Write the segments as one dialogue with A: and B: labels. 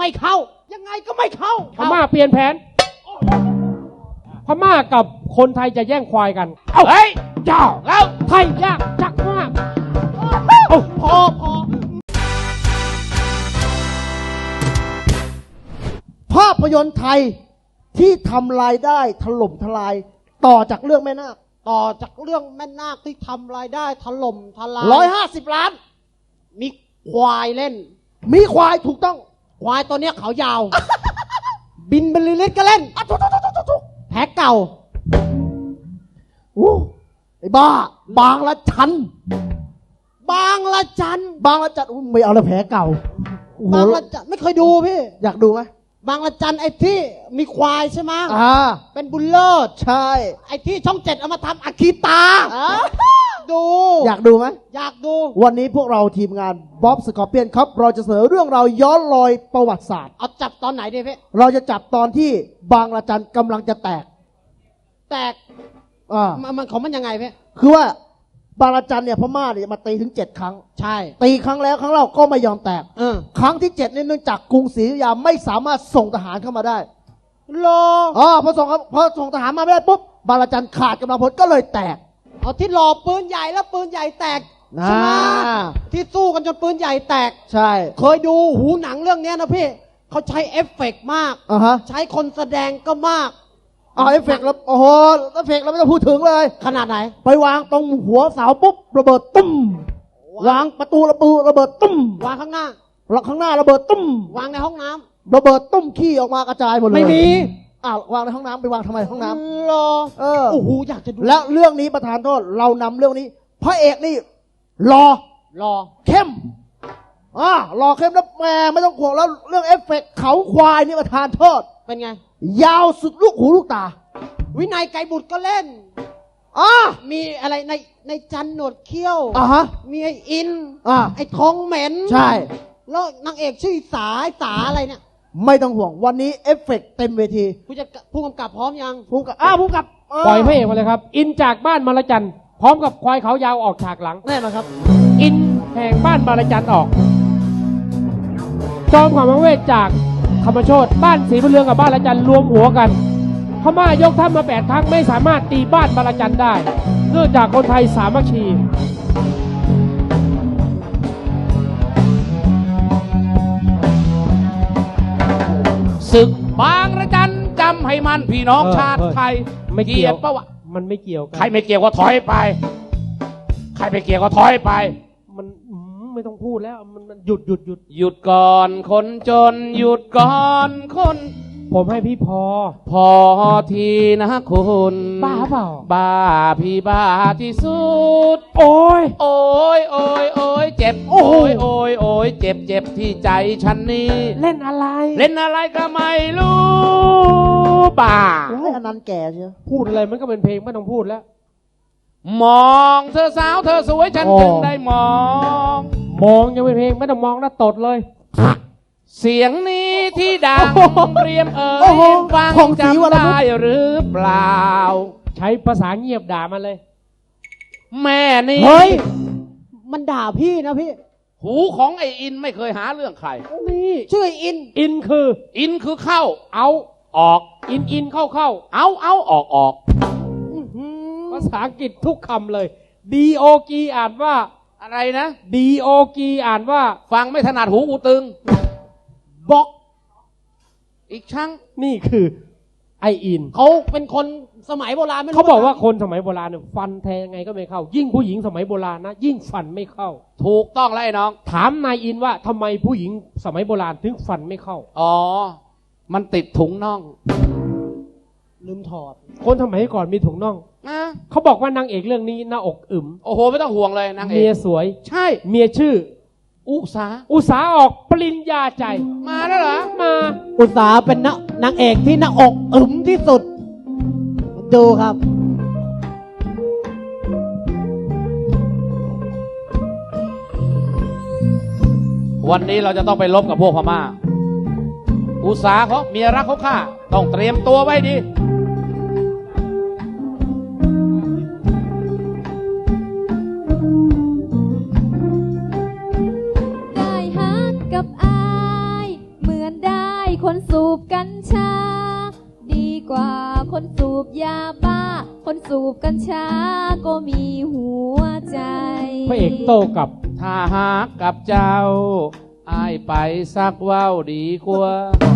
A: ไม่เข้ายังไงก็ไม่เข้า
B: พม่าเปลี่ยนแผนพม่ากับคนไทยจะแย่งควายกัน
A: เฮ้ยเจ้าแล้ว
B: ไทยยากจักมาก
A: พอ
C: ภาพยนตร์ไทยที่ทำรายได้ถล่มทลายต่อจากเรื่องแม่นาค
A: ที่ทำรายได้ถล่มทลาย
C: 150 ล้าน
A: มีควายเล่น
C: มีควายถูกต้อง
A: ควายตัวเนี้ยเขายาว บินบรรลือฤทธิ์ก็เล่นแพ้เก่า
C: ไอ้บ้าบางละจันไม่เอาละแผลเก่า
A: บางละจันไม่เคยดูพี่
C: อยากดูไหม
A: บางละจันไอ้ที่มีควายใช่ไหมเป็นบุญเลิศ
C: ใช่
A: ไอ้ที่ช่อง 7เอามาทำอาคีตาดู
C: อยากดูไหม
A: อยากดู
C: วันนี้พวกเราทีมงานบ๊อบสกอร์เปียนครับเราจะเสนอเรื่องราวย้อนรอยประวัติศาสตร์
A: เอาจับตอนไหนดีพี่
C: เราจะจับตอนที่บางละจันกำลังจะแตก
A: มันของมันยังไงพี่
C: คือว่าบางละจันเนี่ยพม่าเนี่ยมาตีถึง7 ครั้ง
A: ใช่
C: ตีครั้งแล้วครั้งเล่าก็ไม่ยอมแตกครั้งที่7เนี่ยเนื่องจากกรุงศรีอยุธยาไม่สามารถส่งทหารเข้ามาได้พอส่งทหารมาไม่ได้ปุ๊บบางละจันขาดกำลังพลก็เลยแตก
A: เอาที่หล่อปืนใหญ่แล้วปืนใหญ่แตกใช่ไหมที่สู้กันจนปืนใหญ่แตก
C: ใช่
A: เคยดูหูหนังเรื่องนี้นะพี่เขาใช้เอฟเฟกต์มากใช้คนแสดงก็มาก
C: เอฟเฟกต์แล้วโอ้โหเอฟเฟกต์เราไม่ต้องพูดถึงเลย
A: ขนาดไหน
C: ไปวางตรงหัวเสาปุ๊บระเบิดตุ้มวางประตูระเบิดตุ้ม
A: วางข้างหน้า
C: ระเบิดตุ้ม
A: วางในห้องน้ำ
C: ระเบิดตุ้มขี้ออกมากระจายหมดเลย
A: ไม่มี
C: วางในห้องน้ำไปวางทำไมห้องน้
A: ำโอ้โหอยากจะดู
C: แล้วเรื่องนี้ประธานโทษเรานำเรื่องนี้พระเอกนี่รอเข้มรอเข้มแล้วแม่ไม่ต้องห่วงแล้วเรื่องเอฟเฟกต์เขาควายนี่ประธานโทษ
A: เป็นไง
C: ยาวสุดลูกหูลูกตา
A: วินัยไกรบุตรก็เล่นมีอะไรในจันหนวดเขี้ยวมีไอ้อินไอ้ทองเหม็น
C: ใช่
A: แล้วนางเอกชื่อสาอะไรเนี่ย
C: ไม่ต้องห่วงวันนี้เอฟเฟกต์เต็มเวที
A: ผู้กำกับพร้อมยัง
C: ผู้กำกับ
B: ปล่อยพระเอกมาเลยครับอินจากบ้านมาละจันพร้อมกับควายเขายาวออกฉากหลัง
C: แน่นอนครับ
B: อินแห่งบ้านมาละจันออกจอมขวัญมังเวทจากธรรมโชติบ้านศรีบุญเรืองกับบ้านละจันรวมหัวกันพม่ายกทัพมา8 ครั้งไม่สามารถตีบ้านมาละจันได้เนื่องจากคนไทยสามัคคี
D: ศึกบางระจันจำให้มันพี่น้องชาติไทย
B: ไม่เกี่ยวปะวะมันไม่เกี่ยว
D: ใครไม่เกี่ยวก็ถอยไปใครไม่เกี่ยวก็ถอยไป
B: มันไม่ต้องพูดแล้วมันหยุ
D: ดก่อนคนจนหยุดก่อนคน
B: ผมให้พี่พอ
D: ทีนะคุณ
B: บ้าเปล่า
D: บ้าพี่บ้าที่สุด
B: โอ้ย
D: เจ็บโอ้ยเจ็บที่ใจฉันนี่
B: เล่นอะไร
D: ก็ไม่รู้บ้า
C: อันนั้นแก่เชียว
B: พูดอะไรมันก็เป็นเพลงไม่ต้องพูดแล้ว
D: มองเธอสาวเธอสวยฉันจึงได้มอง
B: ยังเป็นเพลงไม่ต้องมองนะตดเลย
D: เสียงนี้ที่ดังเรียมฟังจำได้หรือเปล่า
B: ใช้ภาษาเงียบด่ามันเลย
D: แม่นี่
A: เฮ้ยมันด่าพี่นะพี่
D: หูของไอ้อินไม่เคยหาเรื่องใคร
A: นี่ชื่อไอ้
B: อิน
D: คือเข้า
B: เอา
D: ออก
B: อินเข้า
D: เอาออก
B: ภาษาอังกฤษทุกคำเลย DOG อ่านว่า
D: อะไรนะ
B: DOG อ่านว่า
D: ฟังไม่ถนัดหูกูตึง
A: บอก
D: อีกครั้ง
B: นี่คือไออิน
A: เขาเป็นคนสมัยโบราณไม่รู้
B: เขาบอกว่าคนสมัยโบราณเนี่ยฟันแทงไงก็ไม่เข้ายิ่งผู้หญิงสมัยโบราณนะยิ่งฟันไม่เข้า
D: ถูกต้องแล้วไอ้น้อง
B: ถามนายอินว่าทำไมผู้หญิงสมัยโบราณถึงฟันไม่เข้า
D: มันติดถุงน่อง
A: ลืมถอด
B: คนสมัยก่อนมีถุงน่องเขาบอกว่านางเอกเรื่องนี้หน้าอกอึม
D: โอ้โหไม่ต้องห่วงเลยนางเอก
B: เมียสวย
D: ใช่
B: เมียชื่อ
D: อุ
B: สาออกปริญญาใจ
D: มาแล้วเหรอ
B: มา
A: อุสาเป็นนางเอกที่หน้าอกอึมที่สุดดูครับ
D: วันนี้เราจะต้องไปลบกับพวกพม่าอุสาเขาเมียรักเขาฆ่าต้องเตรียมตัวไว้ดี
E: ได้ฮักกับอายเหมือนได้กัญชา ดีกว่าคนสูบยาบ้า คนสูบกัญชาก็มีหัวใจ
B: พระเอกโต้กลับ
D: ถ้าหากกับเจ้าอายไปสักว่าวดีกว่า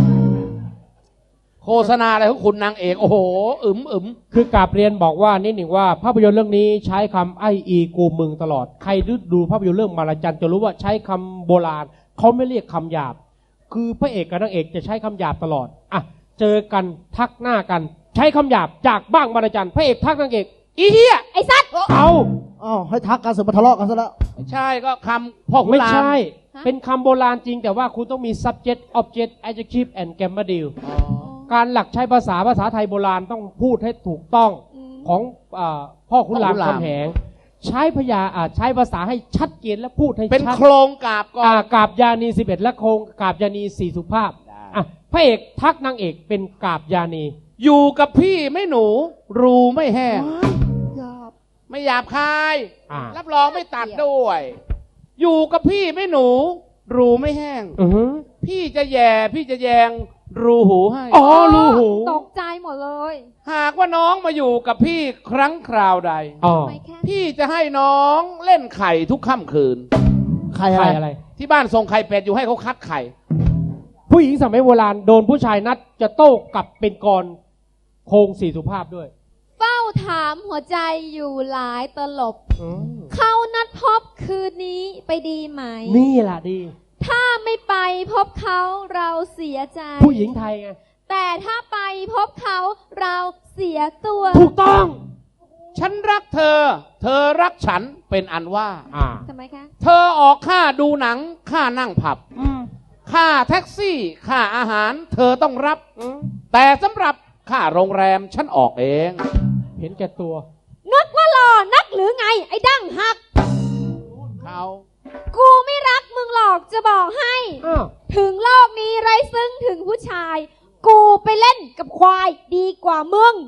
D: โฆษณาอะไรของคุณนางเอกโอ้โหอึม
B: คือกราบเรียนบอกว่านิดหนึ่งว่าภาพยนตร์เรื่องนี้ใช้คำไออีกูมึงตลอดใครดูภาพยนตร์เรื่องมาลาจันจะรู้ว่าใช้คำโบราณเขาไม่เรียกคำหยาบ คือพระเอกกับนางเอกจะใช้คำหยาบตลอดอ่ะเจอกันทักหน้ากัน ใช้คำหยาบจากบ้างมาลาจันพระเอกทักนางเอกอีเหี้ย
E: ไอ้สัตว์
B: เอา
C: อ้าวให้ทักกันเสร็จมาทะเลาะกันซะแล้ว
D: ๆไม่ใช่ก็คำพ่อขุน
B: ไม่
D: ราม
B: ใช่ เป็นคำโบราณจริงแต่ว่าคุณต้องมี subject object adjective and grammar deal
D: อ๋อ
B: การหลักใช้ภาษาไทยโบราณต้องพูดให้ถูกต้องของพ่อขุนรามคำแหงใช้ใช้ภาษาให้ชัดเจนและพูดให้
D: เป็น
B: ชัด
D: โครงกาบก่อน
B: กาบยานี11และโครงกาบยานี4สุภาพ
D: ได้
B: อ่ะพระเอกทักนางเอกเป็นกาบยานี
D: อยู่กับพี่ไม่หนู รูไม่แห้ง
C: หยาบ
D: ไม่หยาบคาย
B: อ่า
D: รับรองไม่ตัดด้วย อยู่กับพี่ไม่หนู รูไม่แห้ง
B: อือฮึ
D: พี่จะแย่พี่จะแยง รูหูให้
B: อ๋อรูหู
E: ตกใจหมดเลย
D: หากว่าน้องมาอยู่กับพี่ครั้งคราวใด
B: อ๋อ
E: ไม่แค่
D: พี่จะให้น้องเล่นไข่ทุกค่ำคืน
C: ใคร
B: ใคร
C: อะ
B: อะไร ไร
D: ที่บ้านส่งไข่เป็ดอยู่ให้เขาคัดไข่
B: ผู้หญิงสมัยโบราณโดนผู้ชายนัดจะโต้กลับเป็นกรโครง4สุภาพด้วย
E: เฝ้าถามหัวใจอยู่หลายตลบ
B: อืม
E: เขานัดพบคืนนี้ไปดีไหม
B: นี่แหละดี
E: ถ้าไม่ไปพบเขาเราเสียใจ
B: ผู้หญิงไทยไง
E: แต่ถ้าไปพบเขาเราเสียตัว
B: ถูกต้อง
D: ฉันรักเธอ เธอรักฉันเป็นอันว่า
E: ทำไมคะ
D: เธอออกค่าดูหนัง ค่านั่งผับ
B: อืม
D: ค่าแท็กซี่ ค่าอาหาร เธอต้องรับ
B: อืม
D: แต่สำหรับค่าโรงแรมฉันออกเอง
B: เห็นแก่ตัว
E: นึกว่าหล่อนักหรือไง ไอ้ดั้งหัก
D: เขา
E: กูไม่รักมึงหรอกจะบอกให้
B: อ้าว
E: ถึงโลกนี้ไรซึ่งถึงผู้ชาย กูไปเล่นกับควายดีกว่ามึง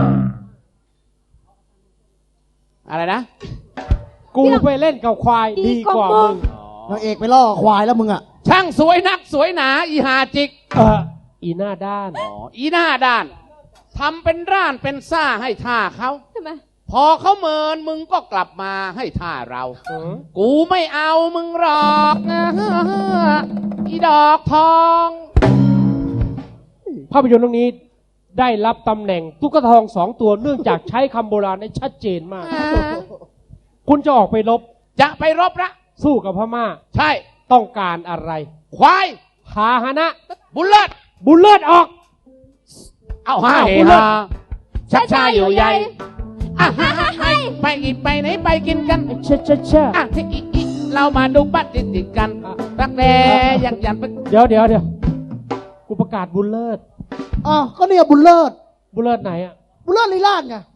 D: อะไรนะ
B: กูไปเล่นกับควาย
E: ดี
B: ดี
E: ก
B: ก
E: ว่า
B: ว่า
E: มึ
B: มึ
E: ง
B: ง
C: นางเอกไปล่อควายแล้วมึงอะ
D: ช่างสวยนักสวยหนาอีหาจิก
B: อีหน้าด้าน
D: อีหน้าด้านทำเป็นร่านเป็นซ่าให้ท่าเขา
E: ทำไม
D: พอเขาเมินมึงก็กลับมาให้ท่าเรา
B: อืม
D: กูไม่เอามึงหรอกนะอีดอกทอง
B: ภาพยนตร์เรื่องนี้ได้รับตำแหน่งตุ๊กตาทอง2 ตัวเนื่องจากใช้คำโบราณได้ชัดเจนมาก คุณจะออกไปรบ
D: จะไปรบละ
B: สู้กับพม่า
D: ใช่
B: ต้องการอะไร
D: ควาย
B: พาหนะ
D: บุญเลิศ
B: บุญเลิศออก
D: เอาฮา
B: อ้าว
D: เฮ
B: บุญเลิ
D: ฮา
B: ศ
D: ชักชาอยู่ใหญ่อ่ะฮะให้ไปอีกไปไหนไปกินกัน
B: เช่เช่เช่
D: อ่ะที่อีเรามาดูบัตรติดกันรักแร้ยันไป
B: เดี๋ยวกูประกาศบุญเลิศ
C: อ้าวก็เนี่ยบุญเลิศ
B: บุญเลิศไหนอ่ะ
C: บุญเลิศลีลาดไง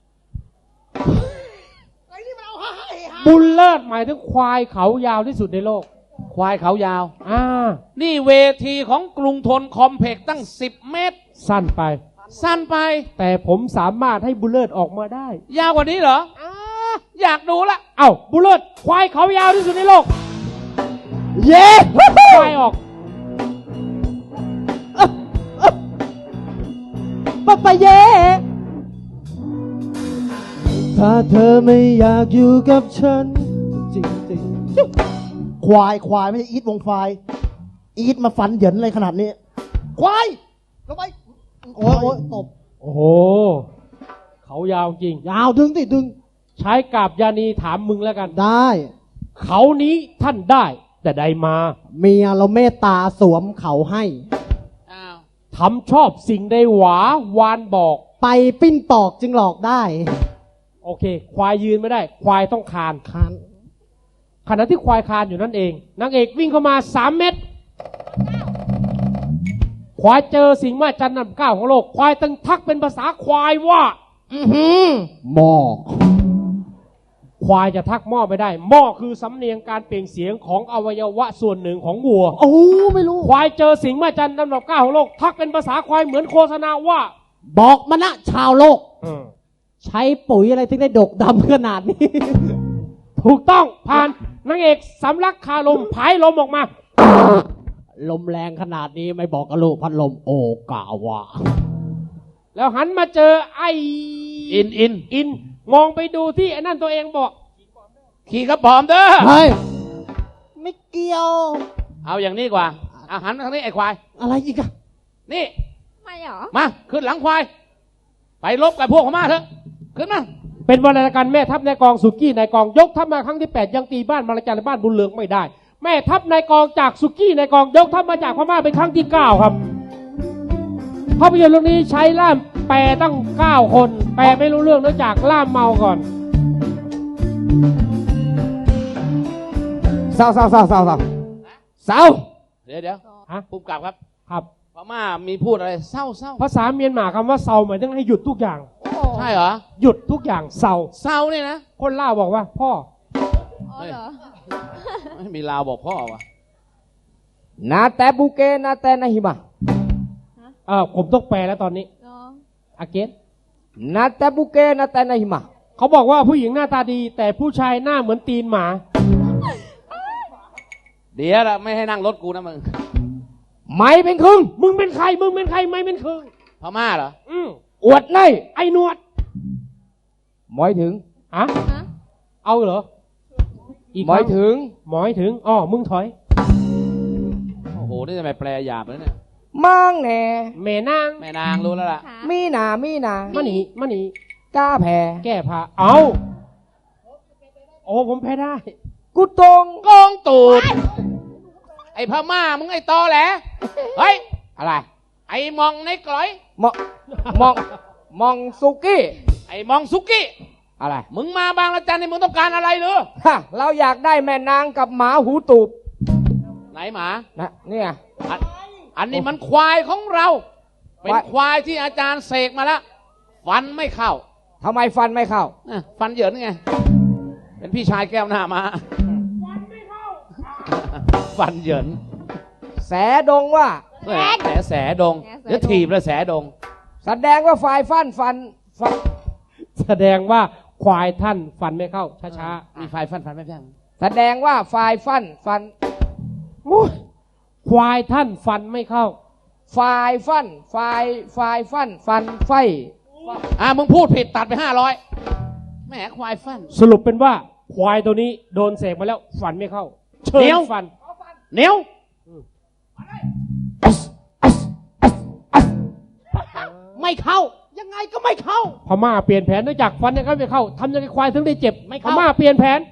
B: บุญเลิศหมายถึงควายเขายาวที่สุดในโลก
D: ควายเขายาว นี่เวทีของกรุงทนคอมเพล็กซ์ตั้ง10 เมตร
B: สั้นไป
D: สั้นไป
B: แต่ผมสามารถให้บุญเลิศออกมาได้
D: ยาวกว่านี้เหรออยากดูละ
B: เอ้าบุญเลิศควายเขายาวที่สุดในโลก
C: เย้
B: ควายออก
C: ปะปะเย่ถ้าเธอไม่อยากอยู่กับฉัน จริงๆควายไม่ใช่อีทวงไฟอีทมาฟันเหยินเลยขนาดนี้ ควายลงไปโอ้ยตบ
B: โอ้โห เขายาวจริง
C: ยาวดึงดิดึง
B: ใช้กาบยานีถามมึงแล้วกัน
C: ได้
B: เขานี้ท่านได้ แต่ใดมา
C: เมียเราเมตตาสวมเขาให้
D: อ้าว
B: ทำชอบสิ่งใดหวาวานบอก
C: ไปปิ้นปอกจึงหลอกได้
B: โอเค ควายยืนไม่ได้ ควายต้องคาน
C: คาน
B: ขณะที่ควายคานอยู่นั่นเอง นางเอกวิ่งเข้ามา3 เม็ดควายเจอสิ่งมหัศจรรย์อันดับ9ของโลก ควายตึงทักเป็นภาษาควายว่า
C: หมอก
B: ควายจะทักหม้อไม่ได้ หม้อคือสำเนียงการเปล่งเสียงของอวัยวะส่วนหนึ่งของวัว
C: โอ้ไม่รู้
B: ควายเจอสิ่งมหัศจรรย์อันดับ9ของโลก ทักเป็นภาษาควายเหมือนโฆษณาว่า
C: บอกมานะชาวโลก ใช้ปุ๋ยอะไรถึงได้ดกดำขนาดนี้
B: ถูกต้องผ่านนางเอกสำลักคาลมผายลมออกมา
A: ลมแรงขนาดนี้ไม่บอกกับลูกพัดลมโอกาวะ
B: แล้วหันมาเจอไอ้
D: อิน
B: มองไปดูที่ไอ้นั่นตัวเองบอก
D: ขี่กระป๋อมเด้อ
A: เฮ้ย ไม่เกี่ยว
D: เอาอย่างนี้กว่าอาหันมาทางนี้ไอ้ควาย
A: อะไรอีกอะ
D: นี่
E: ไม่เหรอ
D: มาขึ้นหลังควาย ไปลบกับพวกพม่าเถอะ ขึ้นมา
B: เป็นวรรณการแม่ทัพนายกองสุกี้นายกองยกทัพมาครั้งที่ 8 ยังตีบ้านบารจันและบ้านบุญเรืองไม่ได้ แม่ทัพนายกองจากสุกี้นายกองยกทัพมาจากพม่าเป็นครั้งที่ 9 ครับภาพยนตร์เรื่องนี้ใช้ล่ามแปลตั้ง 9 คน แปลไม่รู้เรื่องเนื่องจากล่ามเมาก่อน
C: เศร้า
D: เดี๋ยว
B: ฮะ
D: ผู้กำกับครับ
B: ครับ
D: พม่ามีพูดอะไรเศร้า
B: ภาษาเมียนมาคำว่าเซาหมายถึงให้หยุดทุกอย่าง
D: ใช่เหรอ
B: หยุดทุกอย่างเซา
D: เศร้าเนี่ยนะ
B: คนล่าวบอกว่าพ่อ
E: อ๋อเหรอ
D: ไม่มีลาวบอกพ่อวะ
C: นาแต่บุเกนาแต่นาหิมา
B: ผมต้องแปลแล้วตอนนี้
E: เนาะ
B: อาเกต
C: นาแต่บุเกนาแต่นาหิมา
B: เขาบอกว่าผู้หญิงหน้าตาดี แต่ผู้ชายหน้าเหมือนตีนหมา
D: เดี๋ยวละไม่ให้นั่งรถกูนะมึง
C: ไม่เป็นครึ่ง
B: มึงเป็นใครไม่เป็นคือ
D: พม่าเหรอ
C: อวดใน
B: ไอ้หนวด
C: หมายถึง
B: อะ
E: ฮะ
B: เอาเหรอ อีก
C: หมายถึง
B: หมายถึงอ๋อมึงถอย
D: โอ้โห นี่ทำไมแปลหยาบเลยเนี่ย
C: มั่งแหน่
B: แม่นาง
D: แม่นางรู้แล้วล่ะ
E: ขา
C: มีหนา
B: มาหนี
C: กล้าแพ้
B: แก้ผ้าเอาโอ้ผมแพ้ได้
C: กูตรง
D: โกงตูด ไอ้พม่ามึงไอ้ตอแหล เฮ้ย
C: อะไร
D: ไอ้มองในกลอย
C: มองมองสุกี้
D: ไอ้มองสุกี้
C: อะไร
D: มึงมาบางละจันนี่มึงต้องการอะไรหรือ
C: ฮะเราอยากได้แม่นางกับหมาหูตูบ
D: ไหนหมา
C: นะเนี่ย
D: อันนี้มันควายของเรา เป็น
C: ควาย
D: ควายที่อาจารย์เสกมาแล้ว ฟันไม่เข้า
C: ทำไมฟันไม่เข้า
D: ฟันเหยินไง เป็นพี่ชายแก้วหน้ามา ฟันเหยิน
C: แสดงว่า
D: แสดงเดี๋ยวถีบเลยแสดง
C: แสดงว่าฝ่ายฟัน
B: แสดงว่าควายท่านฟันไม่เข้าช้า
D: มีไฟฟันไม่แพง
C: แสดงว่าฝ่ายฟัน
B: ๆโอ้ยควายท่านฟันไม่เข้า
C: ฝ่ายฟันฟันไฟ
D: มึงพูดผิดตัดไป500แหมควายฟัน
B: สรุปเป็นว่าควายตัวนี้โดนเสกมาแล้วฟันไม่เข้า เชิญ
D: เดี๋ยว
B: ฟัน
D: เหนียว
A: ไม่เข้า ยังไงก็ไม่เข้า
B: พม่าเปลี่ยนแผนเนื่องจากฟันยังไม่เข้าทำยังไงควายถึงได้เจ็บ
A: ไม่
B: พ
A: เข้า
B: ม่าเปลี่ยนแผน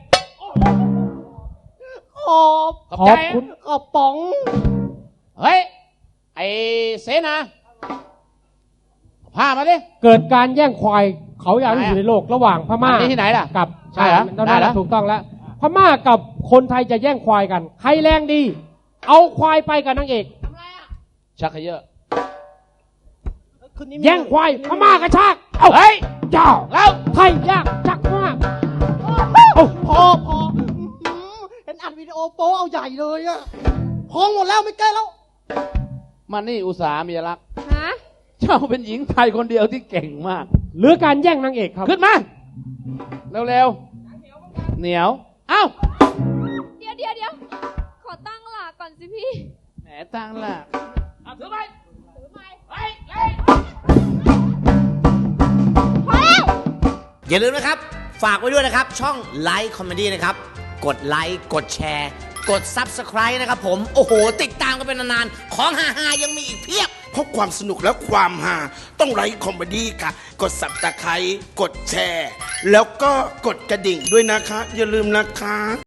A: ขอบ
D: ขอบ
B: ข
D: ใจ
B: อบคุณ
A: ขอบป๋อง
D: เฮ้ย ไอ้เสนาพามาดิ
B: เกิดการแย่งควายเขาอยากที่สุดในโลกระหว่างพม่า
D: อันนี้ที่ไหนล่ะ
B: กับ
D: ใช่เหรอ
B: ตอน
D: ได้
B: นั้น
D: เหรอ
B: ถูกต้องแล้ว พม่ากับคนไทยจะแย่งควายกัน ใครแรงดี เอาควายไปกับนางเอก
D: ชักเขยอะ
A: คืนนี้
B: แย่งควายพม่ากระชาก
D: เฮ้ย
B: เจ้า
D: แล้ว
B: ไทยยากจักมาก
A: พอเห็นอัดวิดีโอโป๊เอาใหญ่เลยอะพองหมดแล้วไม่ใกล้แล้ว
D: มานี่อุตสาหมีรัก
E: ฮะ
D: เจ้าเป็นหญิงไทยคนเดียวที่เก่งมาก
B: หรือการแย่งนางเอกครับ
D: ขึ้นมา เร็วๆ เหนียว เอ้า
E: เดี๋ยวขอตั้งหลักก่อนสิพี่
D: แหมตั้งล่ะเอาถือไป
E: ถือไม้
D: เฮ้ยเฮ้ย
E: พอแล้ว
F: อย่าลืมนะครับ ฝากไว้ด้วยนะครับ ช่องไลค์คอมเมดี้นะครับ กดไลค์กดแชร์ กด Subscribe นะครับผม โอ้โห ติดตามกันเป็นนานๆ ของฮาๆยังมีอีกเพียบ
G: เพราะความสนุกและความฮาต้องไลค์คอมเมดี้ค่ะ กดสับตะไคร้กดแชร์ แล้วก็กดกระดิ่งด้วยนะคะ อย่าลืมนะคะ